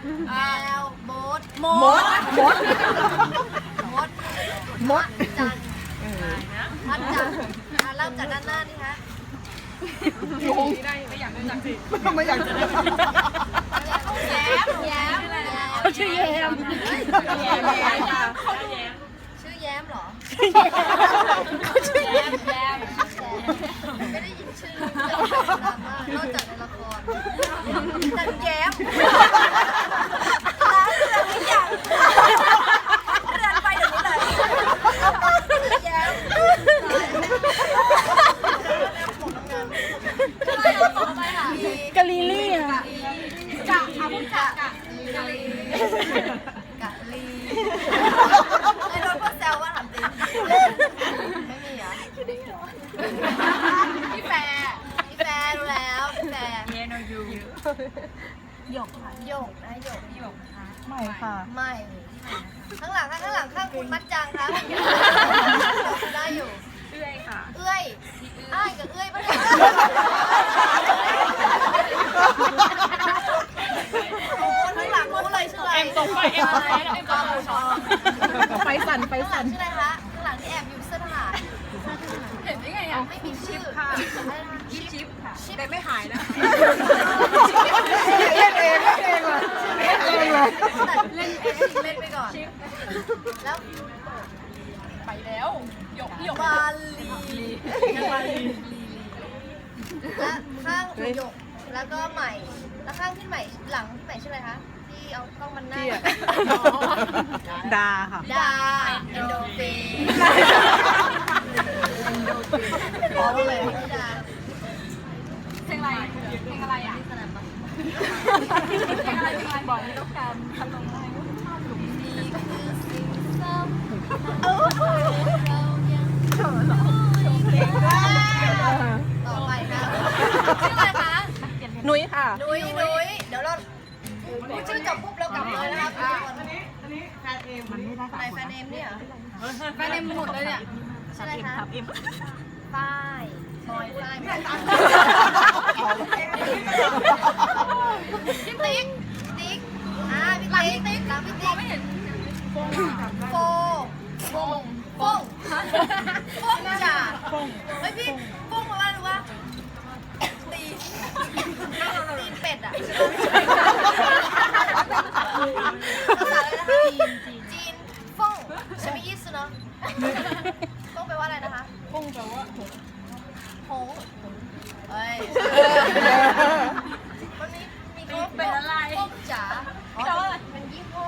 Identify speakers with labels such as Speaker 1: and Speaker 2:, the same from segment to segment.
Speaker 1: แอลโบ๊ทมดจันมัดจันเริ่มจากด้านหน้านี่ฮะไม่อยากจะแย้ม
Speaker 2: เขาชื่อแย้ม
Speaker 1: ชื่อแย้มเหรอ
Speaker 2: เขาชื่อแย้ม
Speaker 1: ไม่ได้ยินชื่อนอกจากในละครจันแย้มร้านเรือนทุกอย่างเรือนไปเดี๋ยวนี้เลยแย้ม
Speaker 2: กะลีลี่ค่ะ
Speaker 1: กะลีไอ้โดนพ่อแซวว่าถามจริงไม่มีเหรอพี่แฟร์รู้แล้วพี่แฟร์หยกค่ะหยกค่ะ
Speaker 2: ไม่ค่ะ
Speaker 1: ไม่ข้างหลังข้างคุณมัดจังครับได้อยู่เอื้อยค่ะเอื้อยอ้ายกับเอื้อยปะเนี่ยโอ้ข้างหลังรู้เลยชื่ออะไรตกไปเอ็มกอมูชอ
Speaker 2: ไฟสั่น
Speaker 1: ชื่ออะไรคะข้างหลังที่แอบอยู่เสื้อทหารเห็นได้ไงอ่ะไม่มีชื่อค่ะชิปค่ะแต่ไม่หายนะ
Speaker 2: เล่นเองว่ะ
Speaker 1: เล่นไปก่อนแล้วไปแล้วหยกบาลีและข้างหยกแล้วก็ใหม่แล้วข้างที่ใหม่หลังที่ใหม่ชื่ออะไรคะที่เอากล้องมันหน้า
Speaker 2: ดาค่ะ
Speaker 1: ดาเอนโดฟินพอเลยเพลงอะไรอ่ะเพลงอะไรบอกไม่ต้องการทำลงให้นี่คือสิ่งซ้ำเรายังต่อไปค่ะชื่ออะไรคะ
Speaker 2: นุ้ยค่ะ
Speaker 1: นุ้ยเดี๋ยวเราพูดชื่อจบปุ๊บเรากลับเลยนะครับอันนี้แฟนเอมมันไม่ได้แฟนเอมเนี่ยแฟนเอมหมดเลยเนี่ยชื่ออะไรคะฝ้ายบอยฝ้ายพี่ติ๊กพี่ติ๊กไม่เห็นโฟจ่าเฮ้ยพี่ฟงมาว่าหรือว่าตีนเป็ดอ่ะภาษาอะไรนะคะจีนฟงใช่ไหมยี่สิเนาะฟงแปลว่าอะไรนะคะฟงแปลว่าหงเฮ้ยวันนี้มีเขาเป็นอะไรฟงจ๋าเป็นยี่ห้อ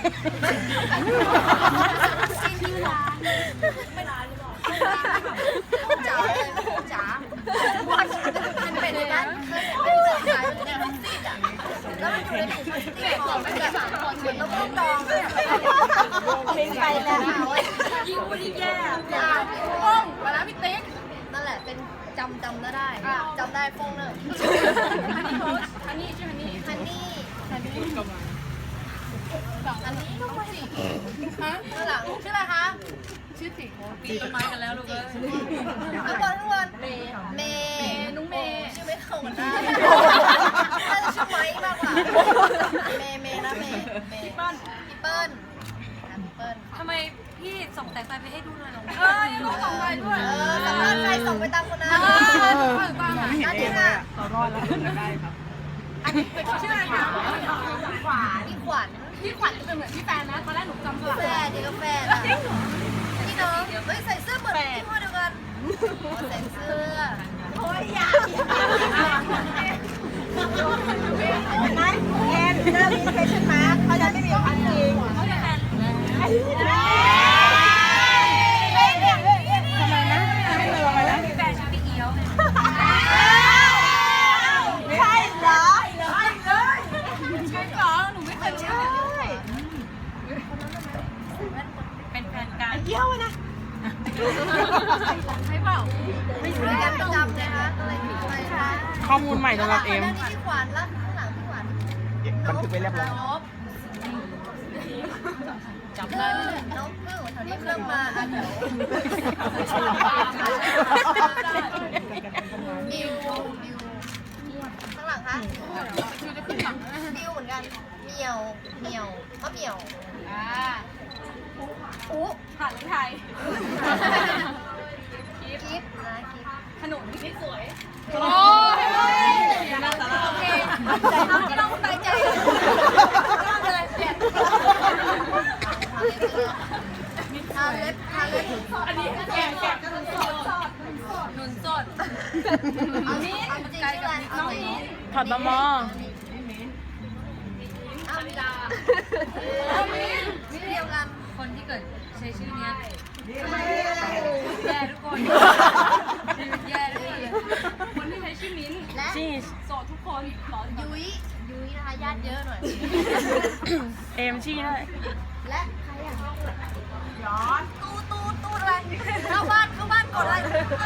Speaker 1: ของซีนที่ร้านไม่ร้านหรือเปล่าฟงจ๋าเลยฟงจ๋ามันเป็นร้านเคยเป็นร้านขายเป็นร้านซีดอ่ะแล้วมันอยู่ในถุงพลาสติกของแบบเหมือนเราต้องดองเพลงไปแล้วยิ่งพูดยิ่งแย่ฟงมาแล้วพี่ติ๊กนั่นแหละเป็นจำได้จำได้ฟงเลยฮันนี่ชื่อฮันนี่ก็มาอันนี้ต้องมาสิฮะข้างหลังชื่ออะไรคะชื่อสิปีต้นไม้กันแล้วลูกเอ้ยข้างบนเมย์น้องเมย์ชื่อไม่เข้ากันได้น่าจะชื่อไม้มากกว่าเมย์นะเมย์พี่เปิ้ล
Speaker 3: ทำไมพี่ส่งแต่ไฟไปให้ดูหน่อยหรอ
Speaker 1: ลูกส่งไปด้วยสำหรับใครส่งไปตามคนนั้นอันนี้ค่ะ
Speaker 2: เรารอดแล้วได้ครับ
Speaker 1: อันนี้เป็นชื่ออะไรคะพี่ขวัญจะเป็นเหมือนพี่แฟนนะตอนแรกหนูจำสลับแฟนดีกับแฟนอะพี่น้องเฮ้ยใส่เสื้อเหมือนพี่พ่อเดียวกันใส่เสื้อโอ้ยอยากนั่นแอนเรื่องนี้เคยใช่ไหมเขาจะไม่มีความจริงเขาจะแอนทำไมนะ
Speaker 3: ไม่เลยนะพี่แฟนชื่อพี่เอี้ยวเลย
Speaker 1: ใช่เหรอหนูไม่เคยใช่
Speaker 3: เป็นแฟนกัน
Speaker 1: เยี่ยวนะใช่เปล่าไม่ใช่กันประจำเลยคะอะไรคะ
Speaker 2: ข้อมูลใหม่สำหรับเอ็ม
Speaker 1: นี่พี่ขวัญแล้วข้างหลังพี่ขวัญ
Speaker 2: บันทึกไปเรียบร้อย
Speaker 3: จำได้
Speaker 1: น้องเพิ่งแถวนี้เพิ่งมาอ่ะเดี๋ยวมิวข้างหลังคะดิวเหมือนกันเหมียวเหมียวมะเหมียวอุ๊
Speaker 3: ผ่านที่ไทย
Speaker 1: กิฟนะกิฟ
Speaker 3: ขนมที่สวย
Speaker 1: โอ้ยโอเคไม่ต้องไปใจไม่เป็นไรเปลี่ยนทาเล็บ
Speaker 3: อันนี้แกะหนุนสด
Speaker 1: เอาจริงชื่ออะไรเอาจริง
Speaker 2: ถอดบะมอ
Speaker 1: เอาเวลามิ้นเดียวกัน
Speaker 3: คนที่เกิดใช้ชื่อเนี้ยแย่ทุกคนแย่ทุกคนเลยคนที่ใช้ชื่อมิ้น
Speaker 1: และ
Speaker 2: ชีส
Speaker 3: โสดทุกคนขอ
Speaker 1: ยุ้ยนะคะญาติเยอะหน่อย
Speaker 2: เอมชีด้วย
Speaker 1: และใครอ่ะย้อนตูอะไรเข้าบ้านกดอะไร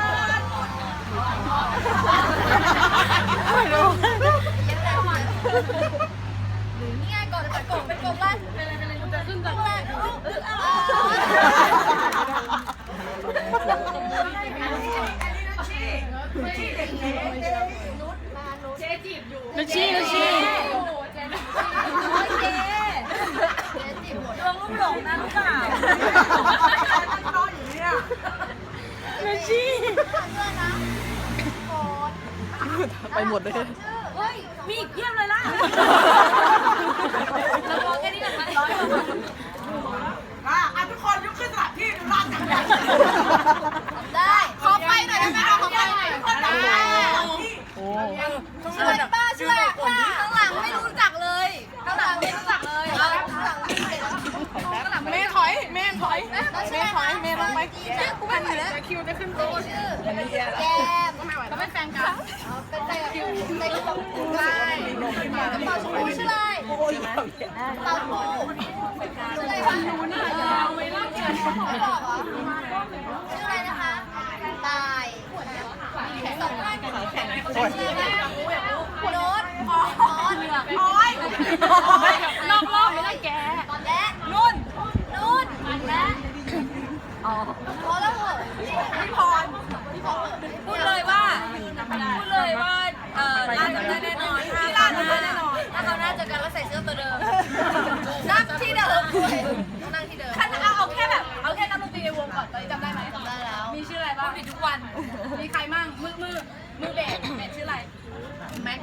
Speaker 2: ไม่รู้
Speaker 1: ยังไงวะนี่ไงกดเป็นกดแรกจะขึ้นก่อนแรกเจ๊จีบอยู่
Speaker 2: นุชชี
Speaker 3: เจ๊จีบดวงลุ่มหลงนะลูกสาว
Speaker 2: นุชชี ไปหมดเลย
Speaker 1: เฮ้ย
Speaker 3: มีอีกเพียบเลยล่ะเราบอกแค่นี้ก่อนไหม
Speaker 4: ทุกคนยกขึ้นสถานที่ดูร่างกันใหญ่
Speaker 1: ได้ขอไปหน่อยได้ไหมขอไปหน่อยได้
Speaker 2: โอ้
Speaker 1: ช่วยป้าช่วยข้างหลังไม่รู้จักเลยข้างหลังไม่รู้จักเลยข้างหลังไม่เห็นข้างหลัง
Speaker 2: แม่ถอยแม่ลงไป
Speaker 1: กูไม่เห็นแล้ว
Speaker 2: คิวจะขึ้น
Speaker 1: ชื่อแก้มเราเป็นแฟนกันเป็นแฟนคิวในกระเป๋าใช่กระเป๋าชมพูชื่ออะไรเต่าปูชื่ออะไรคะบอกเหรอชื่ออะไรนะคะตายสองท่านชื่ออะไรโน้ตโอ้ย
Speaker 3: นอกรอบไม่ได้แก
Speaker 1: และนุ่นและพอแล้วเหรอพี่พร
Speaker 3: พูดเลยว่าร้านจำได้แน่นอนถ้าเขาน่าจะกันแล้วใส่เสื้อตัวเดิม
Speaker 1: นั่งที่เดิมนั่งที่เดิม
Speaker 3: เอาแค่นักดนตรีในวงก่อนตอนนี้จำได้ไหม
Speaker 1: จำได้แล้ว
Speaker 3: มีชื่ออะไรบ้างผิดทุกวัน มีใครมั่งมือเบสชื่ออะไร
Speaker 1: แม็ก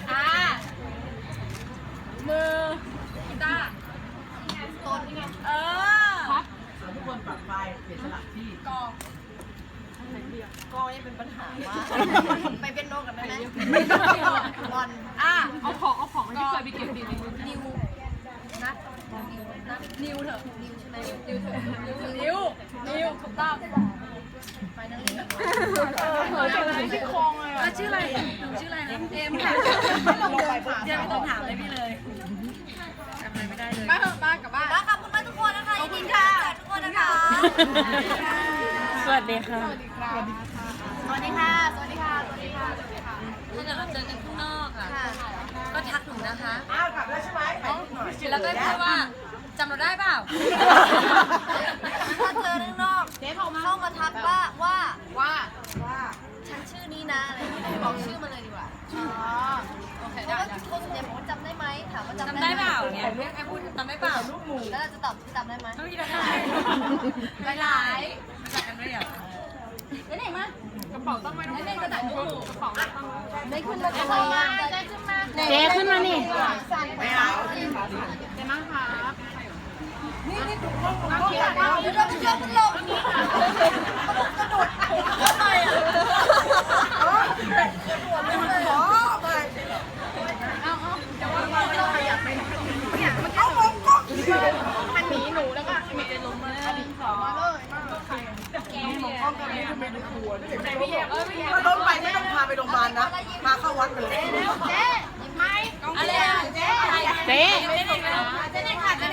Speaker 3: มือกีตาร์
Speaker 1: ต้น
Speaker 4: ทุกคนปรับไฟเปลี่ยนสถานที่
Speaker 3: กอง
Speaker 1: ก็ยังเป็นปัญหาว่าไปเป็นโนกันได้ไหมบอล
Speaker 3: เอาของที่เคยไปเก็บดีในมือ
Speaker 1: นิวนัด
Speaker 3: นิวเถอะ
Speaker 1: นิวใช่ไหม
Speaker 3: นิวถูกต้อง
Speaker 1: ไปนั่งเล่น
Speaker 3: ที่คลองเลยชื่ออะไรหนูชื่ออะไรนะเอ็มค่ะเดี๋ยวไม่ต้องถามเลยพี่เลยจำอะไรไม่ได้เลยบ้านกับบ้าน
Speaker 1: ขอบคุณมากทุกคนนะคะยินดีค่ะทุกคนนะคะ
Speaker 2: สวัสดีค่ะ
Speaker 1: สวัสดีค่ะ
Speaker 3: ถ้าเกิดเราเจอกันข้างนอกอ่ะ
Speaker 1: ค่ะ
Speaker 3: ก็ทักหนูนะคะ
Speaker 4: อ้าวกลับแล้วใช่ไหมไปหน่อย
Speaker 3: แล้วก็พูดว่าจำเราได้เปล่า
Speaker 1: ถ้าเจอข้างนอกเข้ามาทักว่าฉันชื่อนี้นะอะไรอย่างเงี้ยบอกชื่อมาเลยดีกว่า
Speaker 3: โอเค
Speaker 1: เพ
Speaker 3: ได้
Speaker 1: ราะว่าคนส่วนใหญ่บอกว่าจำได้ไหมถามว่าจำ
Speaker 3: จำได้เปล่าเนี่ยไอ้พูดจำได้เปล่า
Speaker 1: แล้วเราจะตอบจำได้ไหม
Speaker 3: ไม่ได้ไปไหนจัดกันด้วยเหรอได้ไหนมากระเป๋าต้องไม่ต้องได้กระดาษลูกกระเป๋าต้อง
Speaker 1: ได้ขึ้นมาทำไมได้ขึ้นมา
Speaker 2: เจ๊ขึ้นมานี่
Speaker 4: ไม่เอา
Speaker 3: ได้มั้งคะ
Speaker 1: เดี๋ยวเราไปเจอคุณลงกระโดดทำไมอ่ะ
Speaker 3: มันหนีหนูแล้วก็มีจะล้มมาพี่แยกพี่แยก
Speaker 4: ถ้าล้มไปไม่ต้องพาไปโรงพยาบาลนะ พาเข้าวัดไปเลย
Speaker 1: เจ๊ยิงไหม
Speaker 3: อะไรอ่ะเจ๊
Speaker 2: เจ๊
Speaker 3: เจ๊เด็กค่ะเจ๊เด็กค่ะ1 2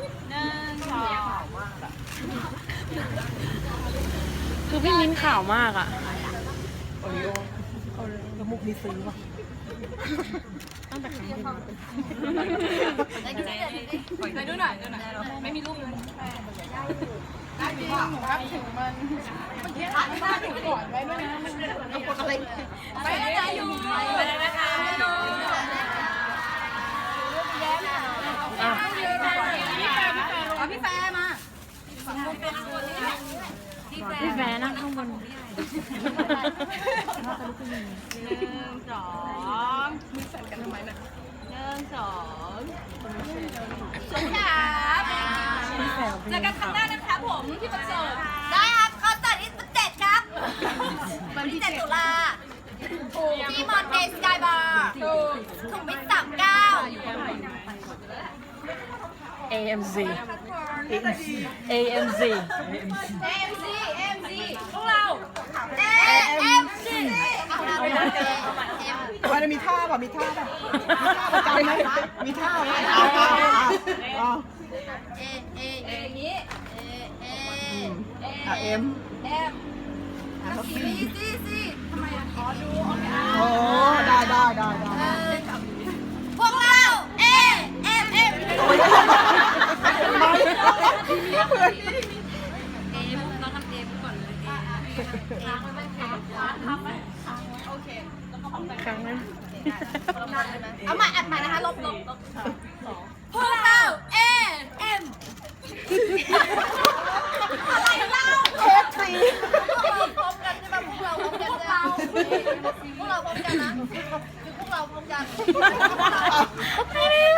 Speaker 2: คือพี่มิ้นข่าวมากอ่ะ
Speaker 4: โอ้ยแล้วมุกนี้ซื้อป่ะ
Speaker 3: ไปดูหน่อยไม่มีรูปเลย
Speaker 4: ได้จริงหนูรับถึงมันถ่ายภาพถึงก่อนไว้ด้วยนะมันเป็นอะไร
Speaker 3: ไปได้อยู่ไปได้นะคะเจอกันครั้งหน้านะคะผมที่คอนเสิร์ต
Speaker 1: ได้ครับคอนเสิร์ตที่17ครับวันที่7ตุลาที่มอนเตสกายบาร์ถุงมิตร
Speaker 2: AMZ AMZ
Speaker 3: AMC พวกเรา
Speaker 1: AMC
Speaker 4: มันจะมีท่าป่ะมีท่าป่ะประจำไหมมีท่าไหม
Speaker 3: อย่างนี้
Speaker 4: เอ็ม
Speaker 1: ซีทำไมอ่ะขอดูโอเค
Speaker 4: โอ้ได้
Speaker 1: พวกเรา AMM
Speaker 3: เราทำเอมก่อนเลย
Speaker 2: ครั้งนั้น
Speaker 1: เอาใหม่อัดใหม่นะคะลบพวกเรา AM อะไรเล่า
Speaker 4: FC
Speaker 1: พวกเราพร้อมกันใช่ไหมพวกเราพร้อมกันพวกเราพร้อมกันนะคือพวกเราพร้อมกันไม่ได้เลย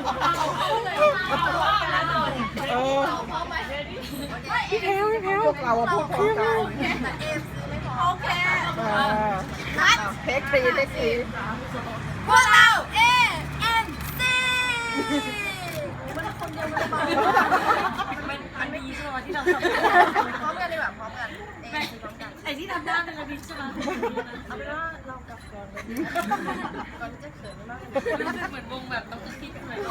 Speaker 1: พร้อมไหม
Speaker 2: พี่แพลว
Speaker 4: พวกเราพูดพร้อมกัน
Speaker 1: แต่เอฟซีไม่พร้อมโอเคนัด
Speaker 4: เทคซี
Speaker 1: พวกเรา AMC
Speaker 3: มันไม่ยีใช่ไหมที่เราทำ
Speaker 1: พร้อมกันดีกว่าพร้อมกันพร้อมกัน
Speaker 3: ไอ้ที่ทำหน้าเป็นระดิษใช่ไหม
Speaker 1: เอาเป็นว่าเรากลับก่อนก่อนจะเขินมาก
Speaker 3: เหมือนวงแบบต้องคิดเหมือน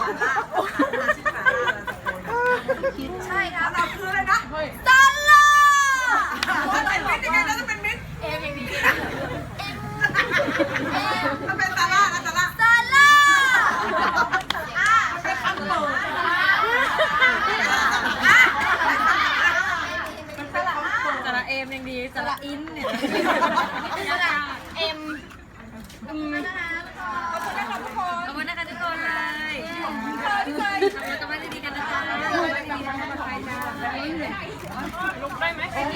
Speaker 1: ใช่ครับเราคืออะไรนะซาลาเป็นมิตรยังไงนะต้องเป็นมิตรเอ็มอย่างนี้ถ้าเป็นซาร่านะซาร่าเป็นคำโต
Speaker 3: สระเอมยังดีสระอินเนี่ยเอ็มขอบคุณนะคะทุกคนขอบคุณนะคะทุกคนเลยขอบคุณค่ะทุกคนทำกันดีกันนะจ๊ะ